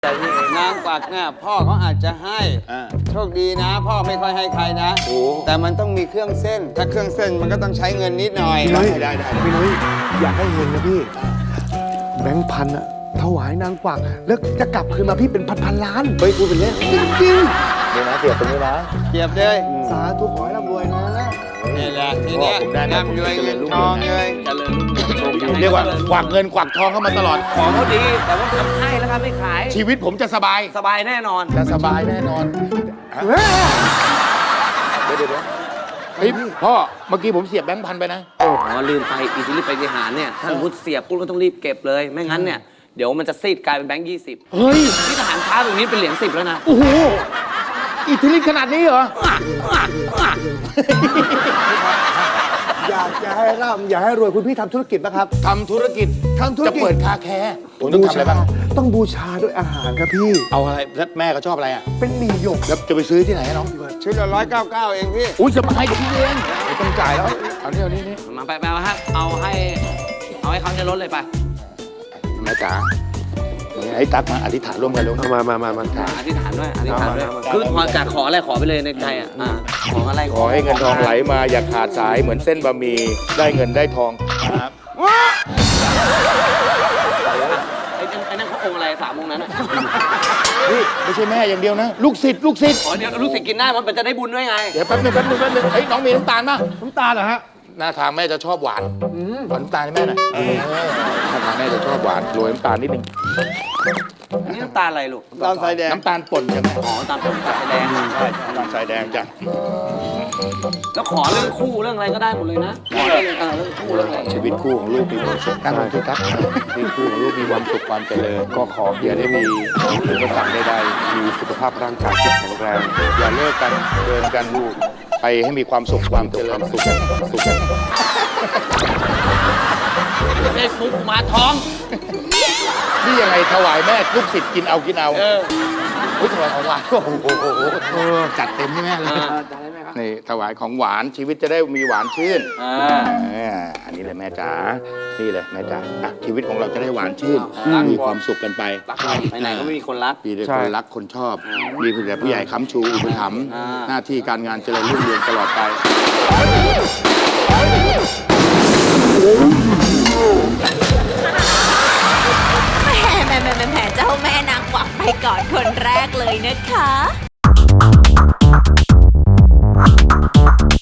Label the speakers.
Speaker 1: นางกวักเนี่ยพ่อเขาอาจจะให้โชคดีนะ พ่อไม่ค่อยให้ใครนะแต่มันต้องมีเครื่องเส้น ถ้าเครื่องเส้นมันก็ต้องใช้เงินนิดหน่อย
Speaker 2: ได้พี่นุ้ยอยากให้เห็นนะพี่แบงค์พันอะถวายนางกวักแล้วจะกลับคืนมาพี่เป็นพันล้าน
Speaker 3: เฮ้ยพูดเป็นเล่น
Speaker 2: จริง
Speaker 3: เดี๋ยวนะเสียบตรงนี้นะ
Speaker 1: เกียบเลย
Speaker 2: ๆสาธุขอให้ร่ำรวยนะ
Speaker 1: นี่แหละทีเนี้ย
Speaker 3: ผมได้นะ
Speaker 1: ร่ำรวยเงินทองเลยเจริญรุ่งเรือง
Speaker 3: เรียกว่ากวักเงินกวักทองเข้ามาตลอด
Speaker 4: ของเขาดี แต่ว่าทำให้แล้วครับไม่ขาย
Speaker 3: ชีวิตผมจะสบาย
Speaker 4: สบายแน่นอน
Speaker 3: จะสบายแน่นอนเดี๋ยวเฮ้ยพ่อเมื่อกี้ผมเสียบแบงค์พันไปนะ
Speaker 4: อ๋อลืมไปอิทธิฤทธิปฏิหารเนี่ยถ้าสมมติเสียบปุ๊บก็ต้องรีบเก็บเลย ไม่งั้นเนี่ยเดี๋ยวมันจะซีดกลายเป็นแบงค์20
Speaker 3: เฮ้ย
Speaker 4: ที่ทหารช้าตรงนี้เป็นเหรียญ10แล้วนะ
Speaker 3: โอ้โหอิทธิฤทธิ์ขนาดนี้เหรอ
Speaker 2: อยากจะให้ร่ำอยากให้รวยคุณพี่ทำธุรกิจนะครับ
Speaker 3: ทำธุรกิจ จะเปิดคาแคร์ผมต้อง
Speaker 2: บู
Speaker 3: ทำอะไร
Speaker 2: ชา
Speaker 3: บ้าง
Speaker 2: ต้องบูชาด้วยอาหารครับพี่
Speaker 3: เอาอะไรแล้วแม่เขาชอบอะไรอ่ะ
Speaker 2: เป็นหมี่หยก
Speaker 3: แล้วจะไปซื้อที่ไหนอะน้อง
Speaker 1: ชุดละ199เองพี่
Speaker 3: อุ้ยสบายเดี๋ยวพี่เองไม่ต้องจ่ายแล้วเอานี่
Speaker 4: มาไปฮะเอาให้เขาในรถเลยไป
Speaker 3: แม่จ๋าให้ตักมาอธิษฐานร่วมกันลูก
Speaker 2: มา
Speaker 4: อธิษฐานด้วยอธิษฐานด้วยคือขอจากขออะไรขอไปเลยในใจอ่ะขออะไร
Speaker 3: ขอให้เงินทองไหลมาอย่าขาดสายเหมือนเส้นบะหมี่ได้เงินได้ทองครับ
Speaker 4: ไอ้นั่นเขาองค์อะไร3องค์นั้นอ่ะ
Speaker 3: นี่ไม่ใช่แม่อย่างเดียวนะ ลูกศิษย์
Speaker 4: อ๋อเดี๋ยวรู้สึกกินได้มันจะได้บุญด้วยไง
Speaker 3: เดี๋ยวแป๊บนึงเฮ้ยน้องมีน้ำตาลป่ะ
Speaker 2: น้ำตาลเหรอฮะ
Speaker 3: หน้าทางแม่จะชอบหวานขอน้ำตาลให้แม่หน่อยหน้าทางแม่จะชอบหวานโรยน้ำตาลนิดนึง
Speaker 4: อันนี้น้ำตาลอะไรลูก
Speaker 1: ตามสายแดง
Speaker 3: น้ำตาลป่นใช่ไหม
Speaker 4: อ๋อตามต้นตาลแดง
Speaker 3: ใช่น้ำตาลทรายแดงจ้ะ
Speaker 4: แล้วขอเรื่องคู่เรื่องอะไรก็ได้หมดเลยนะขอเรื่องคู่เรื่องอะไร
Speaker 3: ชีวิตคู่ของลูกมีความสุขนั่งลงที่ทักชีวิตคู่ของลูกมีความสุขความเจริญก็ขออย่าได้มีอุปสรรคใดๆมีสุขภาพร่างกายที่แข็งแรงอย่าเลิกกันเดินกันลูกไปให้มีความสุขความเจริญสุข
Speaker 4: เฟซบุ๊กมาท้อง
Speaker 3: นี่ยังไงถวายแม่ลูกศิษย์กินเอาอุ้ยถวายของหวานโอ้โหจัดเต็มให้แม่เลยนี่ถวายของหวานชีวิตจะได้มีหวานชื่นอันนี้เลยแม่จ๋านี่เลยแม่จ๋าชีวิตของเราจะได้หวานชื่นมีความสุขกันไป
Speaker 4: ไปไหนก็ไม่มีคนรัก
Speaker 3: มีแต่คนรักคนชอบ มีแต่ผู้ใหญ่ค้ำชูอุปถัมภ์หน้าที่การงานเจริญรุ่งเรืองตลอดไป
Speaker 5: แหมเจ้าแม่นางกวักไปก่อนคนแรกเลยนะคะ